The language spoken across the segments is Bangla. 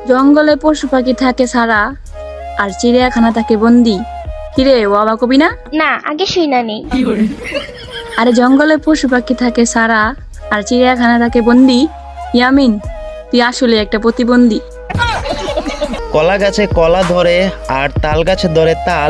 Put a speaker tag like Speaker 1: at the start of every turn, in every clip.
Speaker 1: জঙ্গলে পশু পাখি থাকে সারা আর চিড়িয়াখানা থাকে বন্দি। কিরে বাবা কবি না?
Speaker 2: না, আগে শুই না নেই।
Speaker 1: আরে জঙ্গলে পশু পাখি থাকে সারা আর চিড়িয়াখানা থাকে বন্দি। ইয়ামিন, তুই আসলে একটা প্রতিবন্ধী।
Speaker 3: কলা গাছে কলা ধরে আর তাল গাছে ধরে তাল।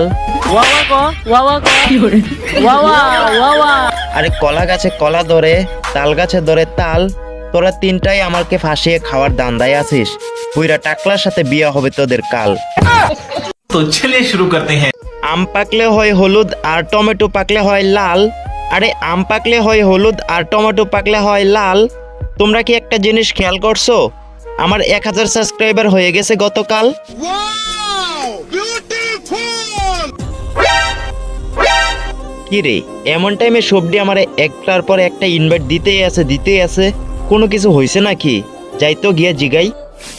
Speaker 3: আরে কলা গাছে কলা ধরে তাল গাছে ধরে তাল, তোরা তিনটাই আমাকে ফাঁসিয়ে খাওয়ার দান্দায় আছিস। পুইরা টাকলার সাথে বিয়ে হবে তোদের কাল।
Speaker 4: तो चलिए शुरू करते हैं।
Speaker 3: আম পাকলে হয় হলুদ আর টমেটো পাকলে হয় লাল। আরে আম পাকলে হয় হলুদ আর টমেটো পাকলে হয় লাল। তোমরা কি একটা জিনিস খেয়াল করছো? আমার 1000 সাবস্ক্রাইবার হয়ে গেছে গতকাল। কি রে, এমন টাইমে সবডি আমার একটার পর একটা ইনভাইট দিতেই আছে। কোনো কিছু হয়েছে নাকি? যাই তো গিয়া জিগাই।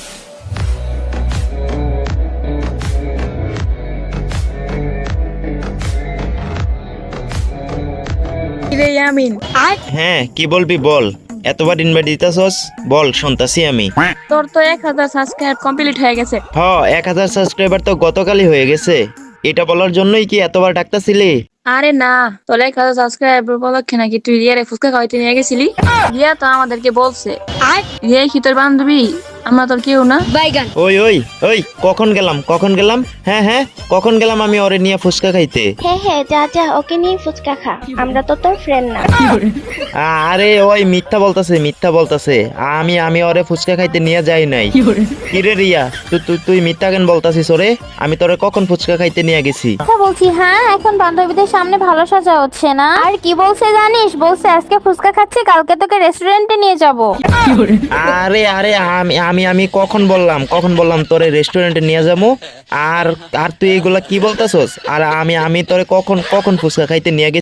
Speaker 1: কিরে ইয়ামিন,
Speaker 3: হ্যাঁ, কি বলবি বল। এতবার ইনভাইট দিতেছস, বল শুনতাছি আমি।
Speaker 1: তোর তো 1000 সাবস্ক্রাইব কমপ্লিট হয়ে গেছে।
Speaker 3: 1000 সাবস্ক্রাইবার তো গতকালই হয়ে গেছে। এটা বলার জন্যই কি এতবার ডাকতেছিলি?
Speaker 1: আরে না, তোর 1000 সাবস্ক্রাইব উপলক্ষে নাকি তুই রিয়ারে ফুচকা খাওয়াইতে নিয়ে গেছিলি। রিয়া তো আমাদেরকে বলছে। রিয়া কি তোর বান্ধবী? আমরা তোর কেউ না।
Speaker 3: ওই ওই ওই, কখন গেলাম? হ্যাঁ, কখন গেলাম আমি ওরে নিয়ে ফুচকা খাইতে?
Speaker 2: হ্যাঁ, যা ওকে নিয়ে ফুচকা খা, আমরা তো তোর ফ্রেন্ড না।
Speaker 3: আরে ওই মিথ্যা বলতাছে। আমি ওরে ফুচকা খাইতে নিয়ে যাই নাই। কিরে রিয়া, তুই মিথ্যা কেন বলতাছিস ওরে? আমি তোরে কখন ফুচকা খাইতে নিয়ে গেছি?
Speaker 5: বলছি হ্যাঁ, এখন বান্ধবীদের সামনে ভালো সাজা হচ্ছে না। আর কি বলছে জানিস? বলছে আজকে ফুচকা খাচ্ছি, কালকে তোকে রেস্টুরেন্টে নিয়ে যাব।
Speaker 3: আরে আমি কখন বললাম তোরে রেস্টুরেন্টে নিয়ে যাবো? আর তুই এগুলা কি বলতাছস? আর আমি তোরে কখন ফুচকা খাইতে নিয়ে গেছি?